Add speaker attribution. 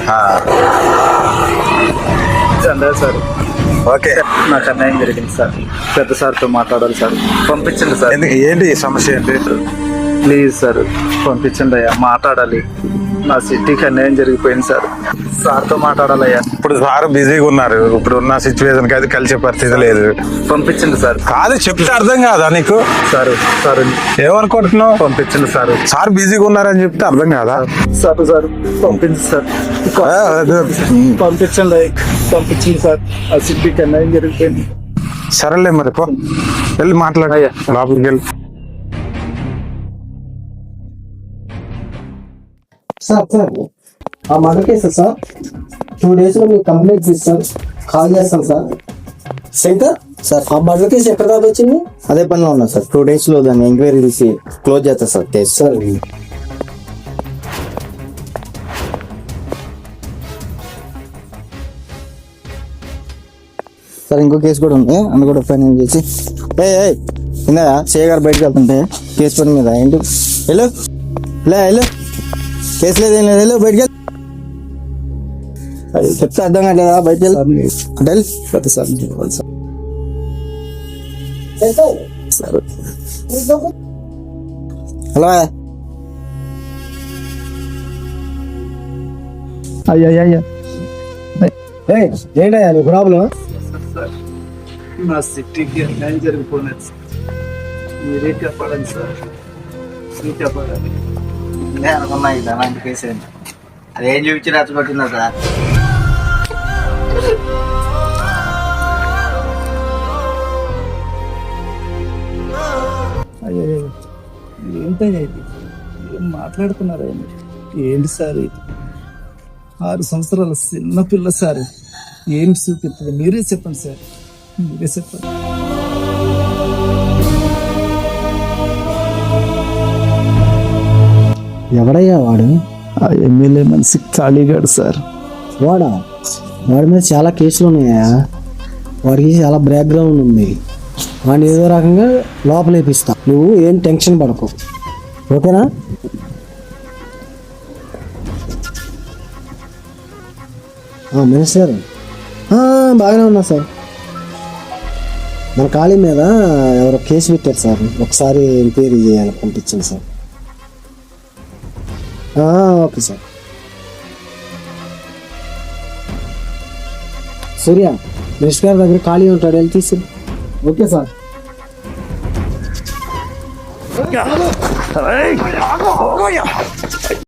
Speaker 1: Sir
Speaker 2: okay,
Speaker 1: నాకు అన్యాయం జరిగింది సార్. పెద్ద సార్తో మాట్లాడాలి సార్. పంపించండి సార్.
Speaker 2: ఏంటి ఈ సమస్య ఏంటి?
Speaker 1: ప్లీజ్ సార్ పంపించండి అయ్యా, మాట్లాడాలి. నా సిటీకి అన్యాయం జరిగిపోయింది సార్. సార్తో మాట్లాడాలయ్యా.
Speaker 2: ఇప్పుడు సార్ బిజీగా ఉన్నారు. ఇప్పుడు ఉన్న సిచ్యువేషన్ కి అది కలిసే పరిస్థితి లేదు.
Speaker 1: పంపించండి సార్.
Speaker 2: కాదు చెప్తే అర్థం కాదా నీకు?
Speaker 1: సార్ సార్
Speaker 2: ఏమనుకుంటున్నావు?
Speaker 1: పంపించండి సార్.
Speaker 2: సార్ బిజీగా ఉన్నారని చెప్తే అర్థం కాదా?
Speaker 1: సార్ సార్ పంపించండి సార్. పంపించండి పంపించండి సార్. ఆ సిటీకి అన్యాయం జరిగిపోయింది.
Speaker 2: సరేలే మరి పో, వెళ్ళి మాట్లాడయ్యా, లోపలికి వెళ్ళి.
Speaker 3: సార్ ఆ మర్డర్ కేసు సార్ 2 days లో మీకు కంప్లైంట్ ఇస్తాను, కాల్ చేస్తాను సార్. శంకర్ సార్, ఆ మర్డర్ కేసు ఎక్కడ దాకా వచ్చింది?
Speaker 4: అదే పనిలో ఉన్నా సార్. 2 days లో దాన్ని ఎంక్వైరీ తీసి క్లోజ్ చేస్తా సార్ కేసు.
Speaker 3: సార్
Speaker 4: సార్ ఇంకో కేసు కూడా ఉంది, అందులో కూడా ఫైనల్ చేసి ఇందా సిఐ గారు బయటకు వెళ్తుంటే కేసు పని మీద ఏంటి వెళ్ళు వెళ్ళు, కేసు లేదు ఏం లేదు, వెళ్ళు బయటకు చెప్తే అర్థం కావట్లేదా? బయటకు వెళ్ళి
Speaker 3: పెద్ద సార్
Speaker 4: హలో
Speaker 3: అయ్యా ఏంటయ్యా నీ ప్రాబ్లం?
Speaker 1: నా సిటీకి అన్యాయం జరిగిపోయినది సార్. మీరే చెప్పాలండి సార్, మీరు చెప్పాలి.
Speaker 4: అనుకున్నా ఇది అలాంటి కేసు అదేం చూపించి రచ్చగొట్టిందా సార్?
Speaker 1: అయ్యో ఏంటయ్యా ఇది? ఏం మాట్లాడుతున్నారా? ఏంటి సార్ ఇది? 6 సంవత్సరాల చిన్న పిల్ల సార్. ఏం చూపిస్తుంది? మీరే చెప్పండి సార్, మీరే చెప్పండి.
Speaker 3: ఎవడయ్యా వాడు?
Speaker 1: ఆ ఎమ్మెల్యే మనిషి ఖాళీగాడు సార్.
Speaker 3: వాడి మీద చాలా కేసులు ఉన్నాయా? వాడికి చాలా బ్యాక్గ్రౌండ్ ఉంది. వాడిని ఏదో రకంగా లోపలేపిస్తా, నువ్వు ఏం టెన్షన్ పడకు, ఓకేనా? మినిస్టర్ బాగానే ఉన్నా సార్. మన ఖాళీ మీద ఎవరో కేసు పెట్టారు సార్, ఒకసారి ఎంక్వైరీ చేయాలి, పంపించండి sir. Okay sir. Surya minister గారి దగ్గర ఖాళీ ఉంటాడు, వెళ్ళి తీసి. Okay sir.